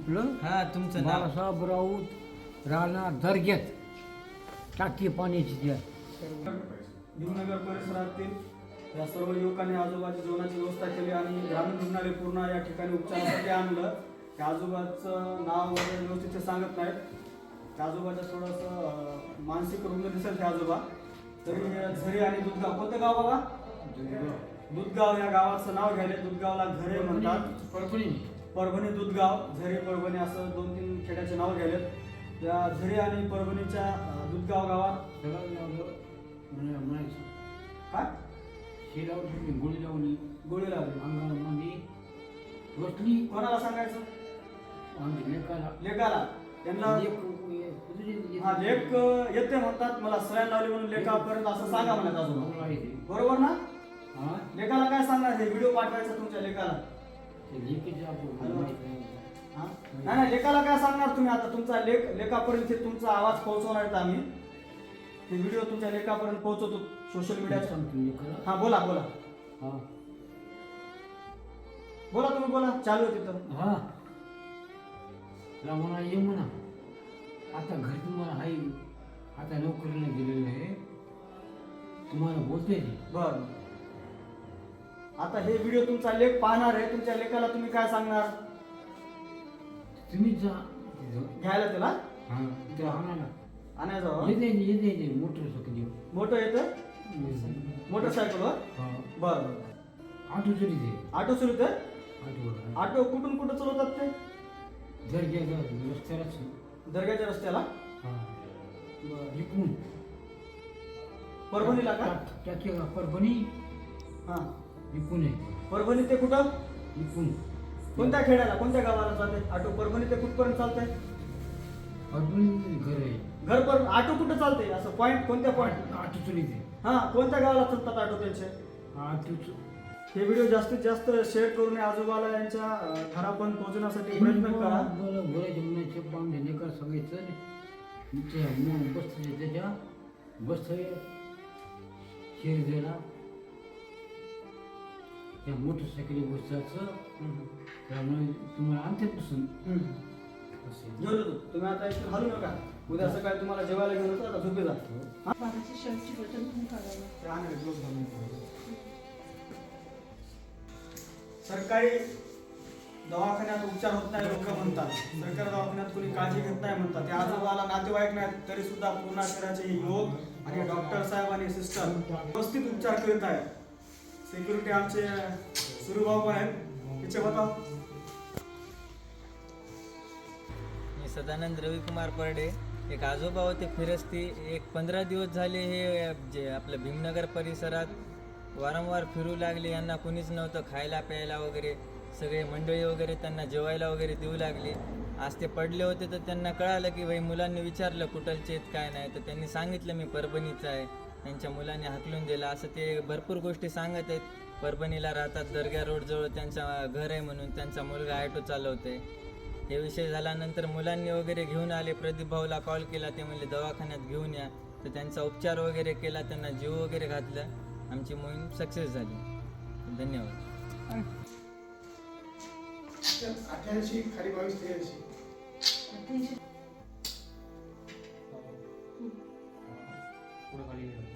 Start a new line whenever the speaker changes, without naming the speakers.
आपलं
हा तुमचं नाव
बाळासाहेब राऊत राहणार दर्ग्यात टाकी पाण्याची त्या
भीमनगर परिसरातील या सर्व युवकांनी आजोबाची जेवणाची व्यवस्था केली आणि ग्रामीण रुग्णालय पूर्ण या ठिकाणी उपचारासाठी आणलं. त्या आजोबाचं नाव वगैरे व्यवस्थित ते सांगत नाहीत. त्या आजोबाचं थोडंसं मानसिक रुग्ण दिसेल ते आजोबा. तरी झरी आणि दुधगाव, कोणतं गाव बाबा? दुधगाव या गावाचं नाव घ्यायला. दुधगावला घरे म्हणतात. परभणी दुधगाव, झरी परभणी असं 2-3 खेड्याचे नाव घ्यायलेत. या झरी आणि परभणीच्या दुधगाव गावात काय
गोळी लावली
गोळी लावली.
अंगामध्ये बसली.
कोणाला सांगायचं?
लेकाला
लेकाला. त्यांना हा लेख येते म्हणतात. मला सलाईन लावली म्हणून लेखापर्यंत असं सांगा म्हणत आजोबा. बरोबर ना? लेकाला काय सांगणार? हे व्हिडिओ पाठवायचा तुमच्या लेकाला. नाही लेकाला काय सांगणार तुम्ही? आता तुमचा लेखापर्यंत तुमचा आवाज पोहोचवणार आहेत आम्ही. हे व्हिडिओ तुमच्या लेखापर्यंत पोहोचवतो सोशल मीडियावर. हा बोला बोला बोला तुम्ही बोला. चालू आहे तिथं.
हा म्हणा ये म्हणा. आता घरी तुम्हाला आहे, आता नोकरीला गेलेलं आहे, तुम्हाला बोलते
बर. आता हे व्हिडिओ तुमचा लेख पाहणार आहे. तुमच्या लेखाला तुम्ही काय सांगणार?
तुम्ही जा
घ्यायला त्याला
ते आणायला
आणायचं.
येते मोटरसायकल
मोठं येतं मोटरसायकलवर. बर
ऑटो चोरी ते
ऑटो सुरू ते.
ऑटो
ऑटो कुठून कुठं चालवतात ते?
रस्त्यालाच
दर्ग्याच्या रस्त्याला.
इकडून
परभणीला का?
टाकी परभणी.
हा
इकडून आहे
परभणी ते कुठं?
इकडून
कोणत्या खेड्याला कोणत्या गावाला चालते ऑटो? परभणी ते कुठपर्यंत चालतंय?
परभणी घर आहे.
घर पर ऑटो कुठं चालते? असं पॉईंट कोणत्या पॉईंट?
ऑटो चोरी ते
हा कोणत्या गावाला चालतात ऑटो त्यांचे?
ऑटो
हे व्हिडिओ जास्तीत जास्त शेअर करून आजोबाला यांच्या घरापर्यंत पोहोचण्यासाठी प्रयत्न करा.
बोलायचे म्हणायचे पाहुणे लेकर सगळे बसते त्याच्या बसतोय शेर द्यायला त्या मोटरसायकली बसचं. त्यामुळे तुम्हाला आणतेपासून
घेऊन येतो. तुम्ही आता इथून हलू नका. उद्या सकाळी तुम्हाला जेवायला घेऊन येतो. आता झोपे जा. सरकारी दवाखान्यात उपचार होत नाही लोक म्हणतात. सरकारी दवाखान्यात कोणी काळजी घेत नाही म्हणतात. त्या आजोबाला नातेवाईक नाहीत तरी सुद्धा पूर्ण शहराचे युवक आणि डॉक्टर साहेब आणि सिस्टर व्यवस्थित उपचार करीत आहेत. सिक्युरिटी आमचे सुरुभाऊ पण आहेत. तिचे बताव.
मी सदानंद रविकुमार परडे. एक आजोबा होते फिरस्ती. एक 15 दिवस झाले हे जे आपलं भीमनगर परिसरात वारंवार फिरू लागले. यांना कुणीच नव्हतं खायला प्यायला वगैरे. सगळे मंडळी वगैरे त्यांना जेवायला वगैरे देऊ लागली. आज ते पडले होते तर त्यांना कळालं की भाई मुलांनी विचारलं कुठलचे आहेत काय नाही, तर त्यांनी सांगितलं मी परभणीचा आहे. त्यांच्या मुलांनी हाकलून दिला असं ते भरपूर गोष्टी सांगत आहेत. परभणीला राहतात, दर्गा रोडजवळ त्यांचा घर आहे म्हणून त्यांचा मुलगा ऑटो चालवतोय. हे विषय झाल्यानंतर मुलांनी वगैरे घेऊन आले. प्रदीप भाऊला कॉल केला. ते म्हणले दवाखान्यात घेऊन या. तर त्यांचा उपचार वगैरे केला, त्यांना जीव वगैरे घातलं. आमची मोहीम सक्सेस झाली. धन्यवाद.
88 खाली 22 83
पुढे खाली